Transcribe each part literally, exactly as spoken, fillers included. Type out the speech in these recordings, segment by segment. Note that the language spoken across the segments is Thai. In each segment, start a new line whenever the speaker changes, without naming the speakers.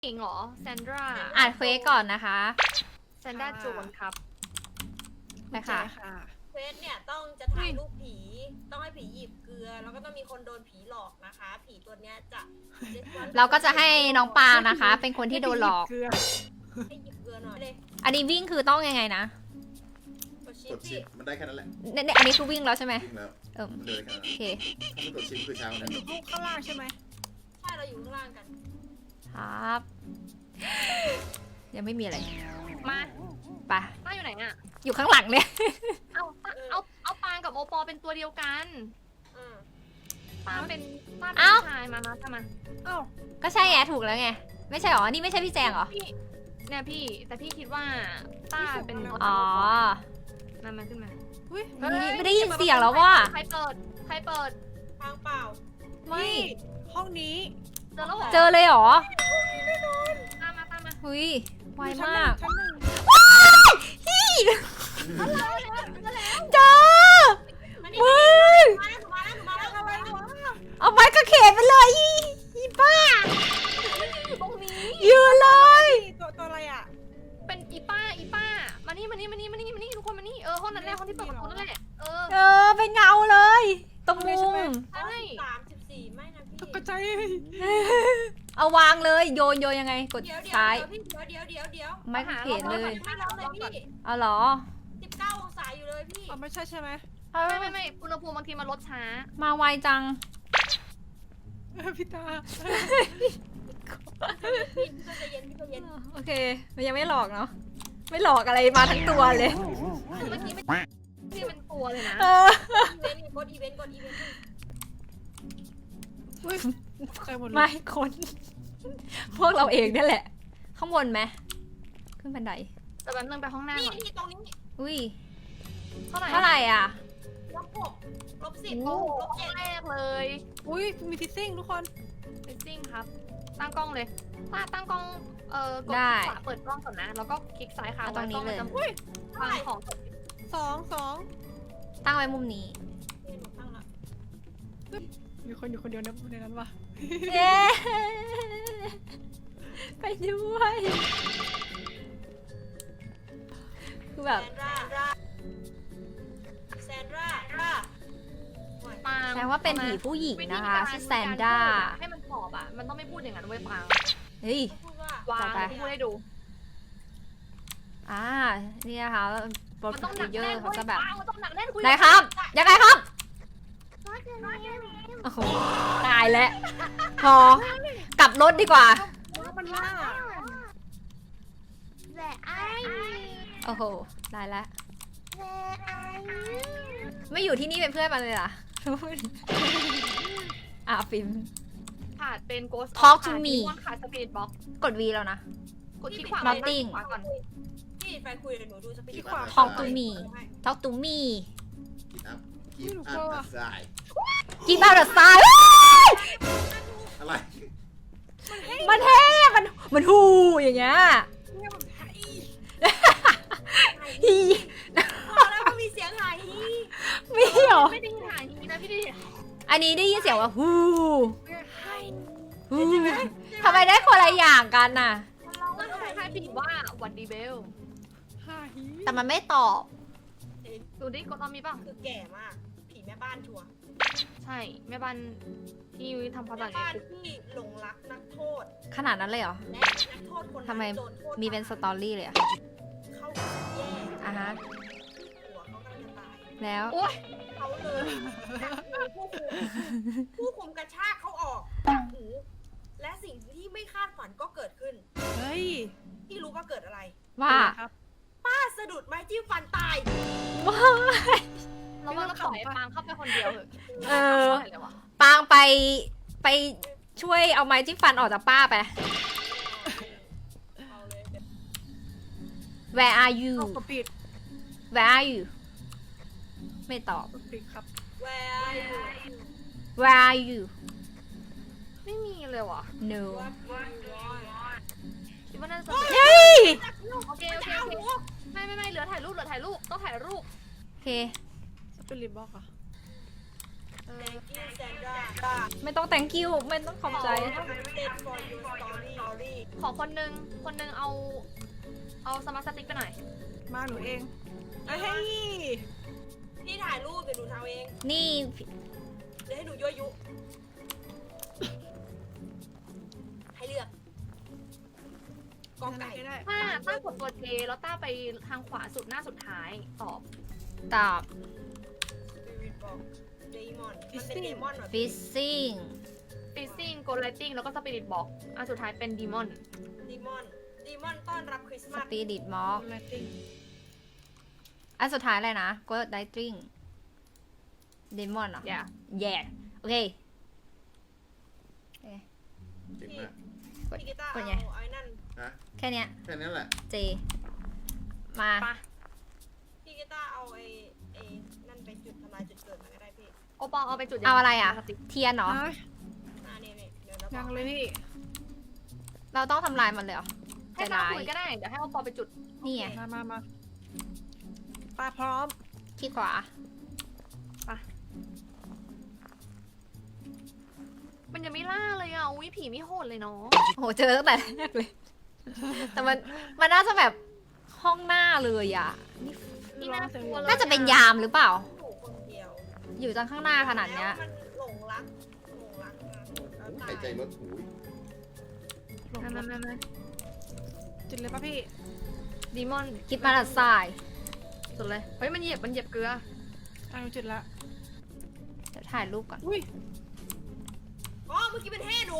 หญิงเหรอแซนดรา
อ่านเควสก่อนนะคะ
แซนดราโจนครับ
ไปค่ะ
เควสเนี่ยต้องจะถ่ายรูปผี ต้องให้ผีหยิบเกลือ แล้วก็ต้องมีคนโดนผีหลอกนะคะ ผีตัวเนี้ยจะ
เราก็จะให้น้องปางนะคะ เป็นคนที่โดนหลอก
ให้หยิบเกลือหน่อยเลย
อันนี้วิ่งคือต้องยังไงนะ
กดชิ
ก
ป
ด
สิ
ชิปมันได้แค่นั้นแหละ
เนี่ยเนี่ยอันนี้คือวิ่งแล้วใช่ไหม
วิ่งแล้ว
เออ
มันเดินแค่นั้น
โอเค
ถ้าไม่กดชิปคือช้ากว่านั้น
อยู่ข้างล่างใช่ไหม
ใช่เราอยู่ข้างล่างกัน
ครับ ยังไม่มีอะไร
มา
ไป
ป้าอยู่ไหนอ่ะ
อยู่ข้างหลังเนี่ย
เอาเอาเอาปางกับโอปอเป็นตัวเดียวกัน
อืม
ปางเป็นป้าเป็น
เอ้า
ผู้ชายมามาทำไมา
เอ้า
ก็ใช่ไงถูกแล้วไง ไม่ใช่หรอ นี่ไม่ใช่พี่แจงเหรอ
พี่เนี่ยพี่แต่พี่คิดว่าป้าเป็น
อ๋อ
มามาขึ้นมา
อุ้ย
ไม่ได้ไม่ได้ยินเสียงแล้วว่า
ใครเปิดใครเปิด
ทางเปล่า
ไม่
นี่ห้องนี้
เจอแล้วเหรอ
เจอเลยเหรอ
ตามมาตามมา
หุยไว
ชั้น
มาก
ชั้นหนึ่ง
เจอ
มานี่
มึง
มาแล้วมาแล้วมาแล้วมาแล้ว
อะไรวะ
เอาไม้กระเขนไปเลยอีอีบ้า
อยู่ตรงนี้
ยืนเลย
ตัวตัวอะไรอ่ะ
เป็นอีป้าอีป้ามานี่มานี่มานี่มานี่มานี่ทุกคนมานี่เออห้องนั้นแหละห้องที่เปิดประตูนั่นแหละเออ
เออเป็นเงาเลย ตรงมุม
ใช่
สามสิบสี่ไม่นะพี่
ตกใจ
เอาวางเลยโยนโยนยังไงกด
เดี๋ยวเดี๋ยว
ซ้าย
เดี๋ยวพี่เดี๋ยวเดี๋ยวเดี๋ยวเดี๋ยว
ไม้กระเขนเลย
ไม่ร้อนเลยพี่
เอาเหรอ
สิบเก้าองศาอยู่เลยพี่
อ๋อไม่ใช่ใช่ไหม
ไม่ไม่ไม่อุณหภูมิบางทีมันลดช้า
มาไวจัง
เออพี่ตา
พี่พี่ก็ใจเย็นพี่ก็เย็น
โอเค มันยังไม่หลอกเนาะ ไม่หลอกอะไรมาทั้งตัวเลย
เมื่อกี้ไม่ที่เป็นตัวเลยนะ
เออ
อีเวนต์กดอีเวนต์กดอีเวนต์
อุ้ยใครหมดเลย
ไม่คน พวกเราเองนี่แหละ ข้างบนไหมขึ้นบันได
แต่แป๊บนึงไปห้องหน้า
นี่
ก่อน
นี่ตรงนี้
อุ้ย
เท่าไหร่
เท่าไหร่อ่ะ
ลบหกลบสิบ
โอ้
ลบเจ็ด
แรกเลย
อุ้ยมีทิซซิ่งทุกคน
เซตติ้งครับ ตั้งกล้องเลยป้าตั้งกล้องเอ่อกด
ได้
ขวาเปิดกล้องก่อนนะ แล้วก็คลิกซ้ายค้าง
เอาตรงนี้
ไว้กล้อง
เลย
มันจะวางของ
สองสอง
ตั้งไว้มุมนี้
นี่หนูตั้งละ
มีคนอยู่คนเดียวนะในนั้นวะ
เย้ไปด้วยคือแบบ
แซนดราแซนดรารา
ปาง
แสดงว่าเป็นผีผู้หญิงนะคะชื่อแซนด้า
ให้มันตอบอ่ะ มันต้องไม่พูดอย่างนั้นเว้ยปาง
เฮ้ย
พูดว่า
วาง
จัดไป
พูดให้ดู
อ่า นี่นะคะโปร
มัน
ดิ
ต้องหนัก
วเยอ
แน่น
ร์
เว้
เขา
ย
จะแบบ
ปางมันต้องหนักแน่นคุย
ไหนครับ ยังไงครับ โอ้โห ตายแล้ว พอ กลับรถดีกว่า
มันล่า
โอ้โห ได้แล้ว ไม่อยู่ที่นี่เป็นเพื่อนมันเลยเหรอ อ่ะฟิล์ม
ขาดเป็นโกส
Talk to me
ขาดสปีดบ็อก
กดวีแล้วนะ
กดคลิกขวา
Nothing
ขวาก่อน
พี่แฟนคุยเดี๋ยวหนูดูสปีด
Talk to me Talk to me
กินอัพกินอัพสาย
Give out the sign
อะไร
มันเท่มันมันฮูอย่างเงี้ย
เนี่ยมันไทย
ฮี
พอแล้วก็มีเสียงหายฮี
มีเหรอ
ไม่ได้ยินหายนี้นะพี่ดิ
อันนี้ได้ยินเสียงว่าฮู
เนี่ยไทย
ฮูทำไมได้คนละอย่างกันน่ะ
มันคล้ายๆผีว่าวันดีเบล
ไทย
แต่มันไม่ตอบ
ดูดิกดตอนมีป่ะ
คือแก่มาก ผีแม่บ้านชัวร์
ใช่แม่บ้านที่ทำความสะ
แม่
อาด
บ้านที่หลงรักนักโทษ
ขนาดนั้นเลยเหรอ
และนักโทษคน
ทำไม
โดนโทษ
มีเป็นสตอรี่เลยอะ
เขาแย่
อ่ะฮะ
หัวเขากำลังจะตาย
แล้ว
โอ้ย
เขาเลยผู้คุมผู้คุมกระชากเขาออกจากหูและสิ่งที่ไม่คาดฝันก็เกิดขึ้น
เฮ้ย
ที่รู้ว่าเกิดอะไร
ว่า
ครับ
ป้าสะดุดไม้จิ้มฟันตาย
ว้าย
เราว่าเราปล่อยให้ปางเข้าไปคนเดียวเถอะ
เออ
ไม่เลยวะ
ปางไปไปช่วยเอาไม้จิ้มฟันออกจากป้าไป
เอาเลย
Where are you
เอากระปิด
Where are you ไม่ตอบ
กระปิดครับ
แวร์อยู่
Where are you
ไม่มีเลยวะ
No
วัดวัดวัด
คิดว่าน่าจะ
เฮ้ย
โอเคโอเคโอเคไม่ไม่ไม่เหลือถ่ายรูปเหลือถ่ายรูปต้องถ่ายรูป
โอเค
สปิริตบล็อกเหรอ่ะ
เ
ออ
thank you Sandra
ไม่ต้อง thank you ไม่ต้องขอบใจ
I'm dead for your story
ขอคนนึงคนนึงเอา เอาสมาร์ทสติ๊กไปหน่อย
มาหนูเองเอ้ย
พี่ถ่ายรูปเดี๋ยวหนูทำเอง
นี่
เดี๋ยวให้หนูยั่วยุ ให้เลือกกอไก่
ไม่ได้
ต้าต้ากดตัวเจแล้วต้าไปทางขวาสุดหน้าสุดท้ายตอบ
ตอบ
Spirit Box Demon มันเป็นเดมอนเหรอ
fishing
ฟิซซิ่งโกลไลติงแล้วก็สปิริตบอกอันสุดท้ายเป็นดีมอน
ดีมอนดีมอนต้อนรับคริสต์มาส
spirit mock
ไลติ้ง
อันสุดท้ายเลยนะ go lightning demon เหรอ
อย่า
yeah โอเค
เจ๋งมาก
พี่กีตาร์
กด
เอา
ไง
ไอ้นั่น
ฮะ
แค่เนี้ย
แค่นั้นแหละ
J มา
ปะ
พี่กีตาร์เอาไอ้ไอ้นั่นไปจุดทำลายจุดเกิดมาก็ได้พี่
โอปอลเอาไปจุดยัง
เอาอะไรอ่ะ
สติ๊ก
เทียนเหรอ
ฮะ
อ่านี่นี่เดี๋ยวเราบ
ยั
อก
งเลยพี่
เราต้องทำลายมันเลยเหรอ
ให้
ใจ
ต้า
ร้าย
คุยก็ได้ เดี๋ยวให้โอปอลไปจุด
นี่ไง
มามามาปลาพร้อม
ขี้ขวา
มันยังไม่ล่าเลยอ่ะ อุ้ยผีไม่โหดเลยเนาะ
โห เจอตั้งแต่แรกเลย แต่มัน มันน่าจะแบบห้องหน้าเลยอ่ะ นี่
นี่น่ากลัวเลย
น่าจะเป็นยามหรือเปล่า
อยู่คนเดียว
อยู่จังข้างหน้าขนาดเนี้ย
แล้วมันหลงรักหลงรักมาแล้วตา
หายใจ
ย
ลดหูย
หลง
มามามามา
จุดเลยป่ะพี่
ดีมอน
คิดมาดัดทราย
สุดเลย เฮ้ย มันเหยียบ มันเหยียบเกลือ
อ่ะหนูจุดละ
เดี๋ยวถ่ายรูปก่อน
อุ้ย
อ๋อเมื่อกี้เป็นแห่หนู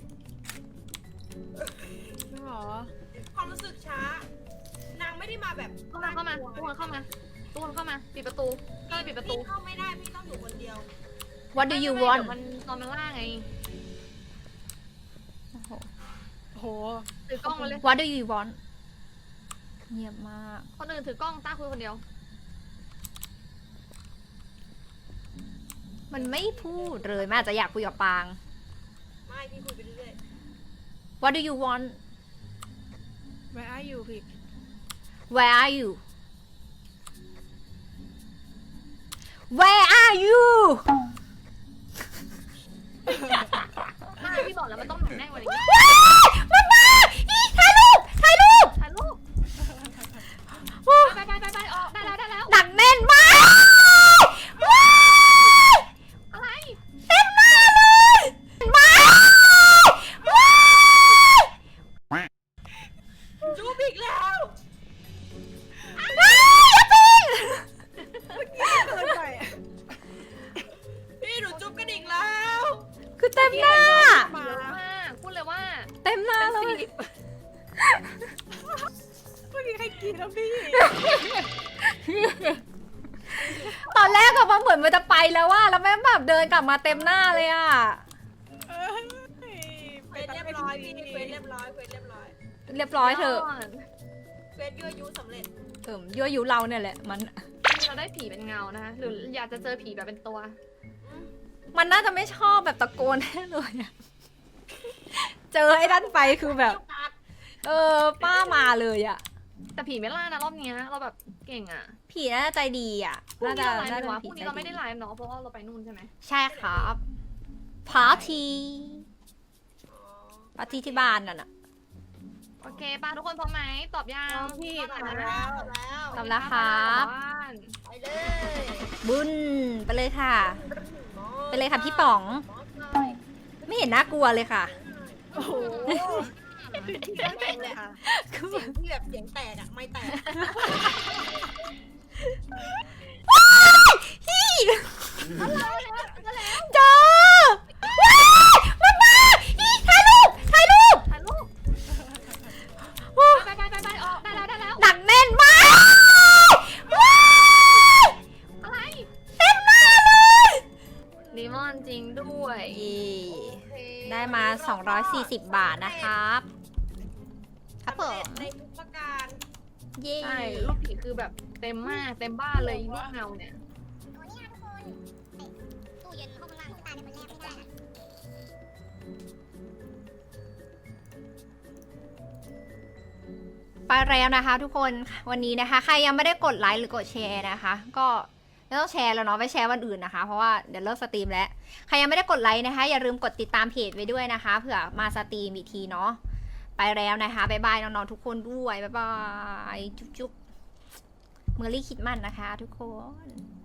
จริงเหรอ
ความรู้สึกช้า นางไม่ได้มาแบบ
เข้ามา เข้ามาทุกคนเข้ามาทุกคนเข้ามา ปิดประตูเข้าไปปิดประตู
พี่เข้าไม่ได้พี่ต้องอยู่คนเดียว
What do you
ไม่ไม่
want
เดี๋ยวมันตอนมันล่าไง
โอ้โห
โอ้โห
ถือกล้องมาเลย
What do you want เงียบมาก
คนอื่นถือกล้องต้าคุยคนเดียว
มันไม่พูดเลยมันอาจจะอยากคุยกับปาง
ไม่พี่คุยไปเรื่อย
What do you want
Where are you พี่
Where are you Where are you
ไม่พี่บอกแล้วมันต้องหนักแน่นกว่านี้
มันมาอีถ่ายรูป ถ่ายรูป
ถ่ายรูปไปไปไปไปออกได้แล้วได้แล้ว
หนักแน่นมากว้าย
อะไร
เต็มหน้าเลยว้ายว้าย
ๆจูบอีกแล้ว
ว้ายอย่าปิง
เกินไปอะ
พี่หนูจุ๊บกระดิ่งแล้ว
คือเต็มหน้า
มา
เยอะมากพูดเลยว่า
เต็มหน้า
เป็น
เล
สิ
ย
ริ
เมื่อกี้ใครกินแล้วพี่
ตอนแรกอะมันเหมือนมันจะไปแล้วว่าแล้วแม่งแบบเดินกลับมาเต็มหน้าเลยอะ
เอ้ย
เควสเรียบร้อยพี่เควสเรียบร้อยเควสเรียบร้อย
เรียบร้อยเถอะ
เควสยั่วยุสำเร็จ
เอิ่มยั่วยุเราเนี่ยแหละมัน
นี่เราได้ผีเป็นเงานะคะหรืออยากจะเจอผีแบบเป็นตัว
มันน่าจะไม่ชอบแบบตะโกนแน่เลยอะเจอไอ้ด้านไปคือแบบ เออป้ามาเลยอะ
แต่ผีไม่ล่านะรอบเนี้ยเราแบบเก่งอ่ะ
ผีน่าจะใจดีอะ
พรุ่ง
น่า
นี้
จะ
เราไลฟ์
น่า
ไหม
จะ
วะ
เป็นผีใจ
พรุ่งนี้เราไม่ได้
ดี
ไลฟ์เนาะเพราะว่าเราไปนู่นใช่ไหม
ใช่ครับพาร์ตี้
อ๋อ
ปาร์ตี้ที่บ้านน่ะนะ
โอเคป้าทุกคนพร้อมไหมตอบยัง
พร้อมพี่
ตอบ
มา
นะ
แล้วแล้ว
ตอบแล้วครับ
ไปเลย
บุญไปเลยค่ะ ไปเลยค่ะพี่ป๋อง ไม่เห็นน่ากลัวเลยค่ะ
โอ้โห
เสียงแตกเลยค่ะเสียงที่แบบเสียงแตกอะไม่แตก
เจอว้ายมันมาอีถ่ายรูป ถ่ายรูป
ถ่ายรูปไปไปไปไปออกได้แล้วได้แล้ว
หนักแน่นมากว้าย
อะไร
เต็มหน้าเลย
ดีมอนจริงด้วย
เย่ได้มาสองร้อยสี่สิบบาทนะครับ ครับผ
สำเร็
ม
จในทุกประการ
เย่
ใช่รูปผีคือแบบเต็มมากเต็มบ้านเลยรูปเงาเนี่ย
ตู้เย็นห้องล่างตายในวันแรกไม่ได้นะ
ไปแล้วนะคะทุกคนวันนี้นะคะ ใครยังไม่ได้กดไลค์หรือกดแชร์นะคะ ก็ไม่ต้องแชร์แล้วเนาะไปแชร์วันอื่นนะคะ เพราะว่าเดี๋ยวเลิกสตรีมแล้วใครยังไม่ได้กดไลค์นะคะ อย่าลืมกดติดตามเพจไว้ด้วยนะคะเผื่อมาสตรีมอีกทีเนาะไปแล้วนะคะบ๊ายบายน้องๆทุกคนด้วยบ๊ายบายจุ๊บๆเมอรี่คิดมันนะคะ ทุกคน